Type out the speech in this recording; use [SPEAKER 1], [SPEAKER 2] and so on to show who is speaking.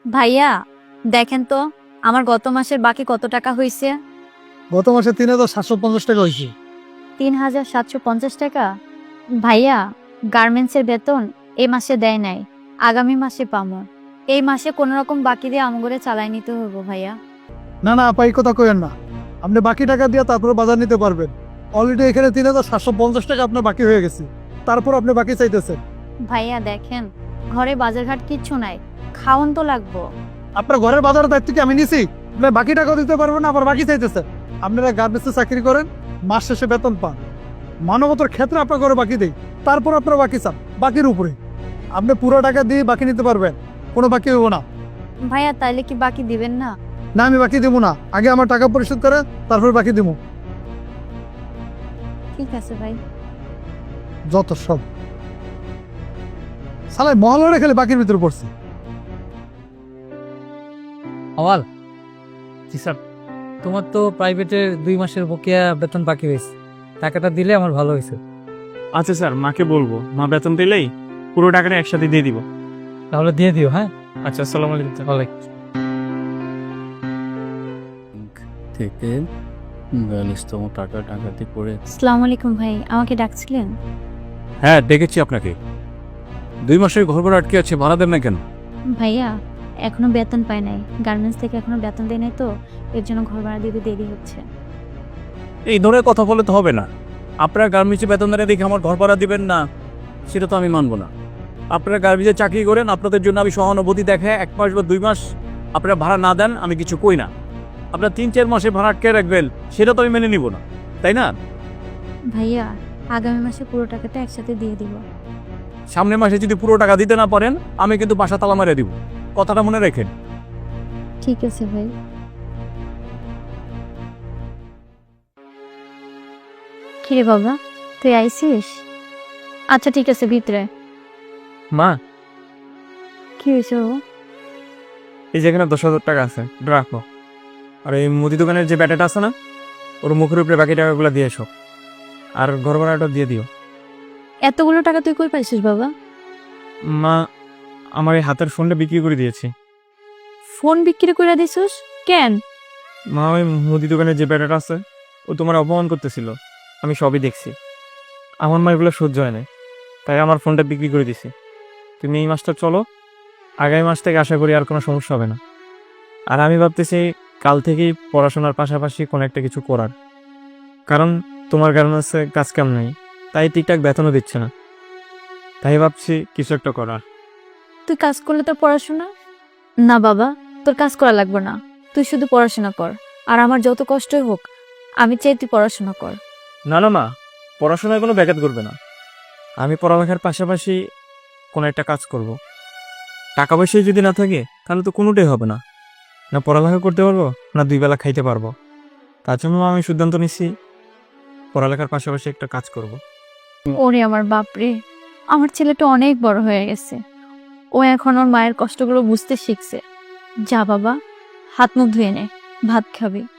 [SPEAKER 1] ভাইয়া দেখেন তো আমার গত মাসের বাকি কত টাকা হয়েছে।
[SPEAKER 2] গত মাসে 3750 টাকা হয়েছে।
[SPEAKER 1] 3750 টাকা। ভাইয়া গার্মেন্টসের বেতন এই মাসে দেয় নাই, আগামী মাসে পামো। এই মাসে কোনো রকম বাকি দিয়ে আমগরে চালাই নিতে হইব ভাইয়া।
[SPEAKER 2] না না আপা, এই কথা কইেন না। আপনি বাকি টাকা দিয়ে তারপরে বাজার নিতে পারবেন। অলরেডি এখানে 3750 টাকা আপনার বাকি হয়ে গেছে, তারপর আপনি বাকি চাইতেছেন।
[SPEAKER 1] ভাইয়া দেখেন ঘরে বাজারঘাট কিচ্ছু নাই, খাওন তো লাগবো।
[SPEAKER 2] আপনার ঘরের বাজারের দায়িত্ব কি আমি নিছি? আপনি বাকি টাকা দিতে পারবেন না, আবার বাকি চাইতেছেন। আপনারা গার্মেন্টসে চাকরি করেন, মাস শেষে বেতন পান। মানবতার ক্ষেত্রে আপনার ঘরে বাকি দেই, তারপর আপনারা বাকি চান বাকির উপরে। আপনি পুরো টাকা দিয়ে বাকি নিতে পারবেন, কোনো বাকি হইব না।
[SPEAKER 1] ভাইয়া তাইলে কি বাকি দিবেন না?
[SPEAKER 2] না, আমি বাকি দিব না। আগে আমার টাকা পরিশোধ করেন, তারপর বাকি দিব।
[SPEAKER 1] ঠিক আছে ভাই।
[SPEAKER 2] যত সব সালাই মহল্লারে খেলে বাকির ভিতরে পড়ছে।
[SPEAKER 3] আওয়াল। জি স্যার, তোমার তো প্রাইভেটের 2 মাসের বকেয়া বেতন বাকি হয়েছে, টাকাটা দিলে আমার ভালো হয়েছে।
[SPEAKER 4] আচ্ছা স্যার, মাকে বলবো, মা বেতন দিলেই পুরো টাকাটা একসাথে দিয়ে দিব।
[SPEAKER 3] তাহলে দিয়ে দিও। হ্যাঁ,
[SPEAKER 4] আচ্ছা, আসসালামু আলাইকুম স্যার।
[SPEAKER 3] ওয়ালাইকুম।
[SPEAKER 5] থেকে 42তম টাকা ডাকাতি করে
[SPEAKER 1] আসসালামু আলাইকুম ভাই, আমাকে ডাকছিলেন?
[SPEAKER 6] হ্যাঁ, ডেকেছি আপনাকে। 2 মাসের ঘর ভাড়া আটকে আছে, ভাড়া দেন না কেন?
[SPEAKER 1] ভাইয়া এখনো বেতন পাই নাই, গার্মেন্টস থেকে এখনো বেতন দেয় নাই, তো এর জন্য ঘর ভাড়া দিতে দেরি হচ্ছে।
[SPEAKER 6] এই ধরনের কথা বলে তো হবে না। আপনারা গার্মেন্টসে বেতন দেন দেখে আমার ঘর ভাড়া দিবেন না, সেটা তো আমি মানবো না। আপনারা গার্মেন্টসে চাকরি করেন, আপনাদের জন্য আমি সহানুভূতি দেখায় 1 মাস বা 2 মাস আপনারা ভাড়া না দেন, আমি কিছু কই না। আপনারা 3-4 মাসে ভাড়া আটকে রাখবেন, সেটা তো আমি মেনে নিব না, তাই না?
[SPEAKER 1] ভাইয়া আগামী মাসে পুরো টাকাটা একসাথে দিয়ে দিব।
[SPEAKER 6] সামনের মাসে যদি পুরো টাকা দিতে না পারেন, আমি কিন্তু বাসা তালা মারে দিব, কথাটা মনে রাখেন।
[SPEAKER 1] ঠিক আছে ভাই। কিরে বাবা, তুই আইছিস? আচ্ছা ঠিক আছে, ভিতরে।
[SPEAKER 4] মা,
[SPEAKER 1] কি হয়েছে ও?
[SPEAKER 4] এই যেখানে 10,000 টাকা আছে, এটা রাখো। আর এই মুদি দোকানের যে ব্যাটাটা আছে না, ওর মুখের উপরে বাকি টাকাগুলো দিয়ে এসো। আর ঘর ভাড়াটা দিয়ে দিও।
[SPEAKER 1] এতগুলো টাকা তুই কই পাইছিস বাবা?
[SPEAKER 4] মা, আমার এই হাতের ফোনটা বিক্রি করে দিয়েছি।
[SPEAKER 1] ফোন বিক্রি করে দিছিস কেন?
[SPEAKER 4] মা, ওই মুদি দোকানের যে ব্যাটাটা আছে, ও তোমার অপমান করতেছিল, আমি সবই দেখছি। আমার মা এগুলো সহ্য হয় না, তাই আমার ফোনটা বিক্রি করে দিছি। তুমি এই মাসটা চলো, আগামী মাস থেকে আশা করি আর কোনো সমস্যা হবে না। আর আমি ভাবতেছি কাল থেকেই পড়াশোনার পাশাপাশি কোনো একটা কিছু করার, কারণ তোমার গার্মেন্টসে কাজ কাম নেই, তাই ঠিকঠাক বেতনও দিচ্ছে না। তাই ভাবছি কিছু একটা করার।
[SPEAKER 1] তুই কাজ করলে তোর পড়াশোনা? না বাবা, তোর কাজ করা লাগবে না, তুই শুধু পড়াশোনা কর। আর আমার যত কষ্টই হোক, আমি চাই তুই পড়াশোনা কর।
[SPEAKER 4] না না মা, পড়াশোনায় কোনো ব্যাঘাত করবে না। আমি পড়ালেখার পাশাপাশি কোনো একটা কাজ করব। টাকা পয়সা যদি না থাকে তাহলে তো কোনোটাই হবে না, না পড়ালেখা করতে পারবো না 2 বেলা খাইতে পারবো। তার জন্য আমি সিদ্ধান্ত নিচ্ছি পড়ালেখার পাশাপাশি একটা কাজ করব।
[SPEAKER 1] ওরে আমার বাপরে, আমার ছেলেটা অনেক বড় হয়ে গেছে, ও এখন ওর মায়ের কষ্টগুলো বুঝতে শিখছে। যা বাবা, হাত মুখ ধুয়ে নে, ভাত খাবি।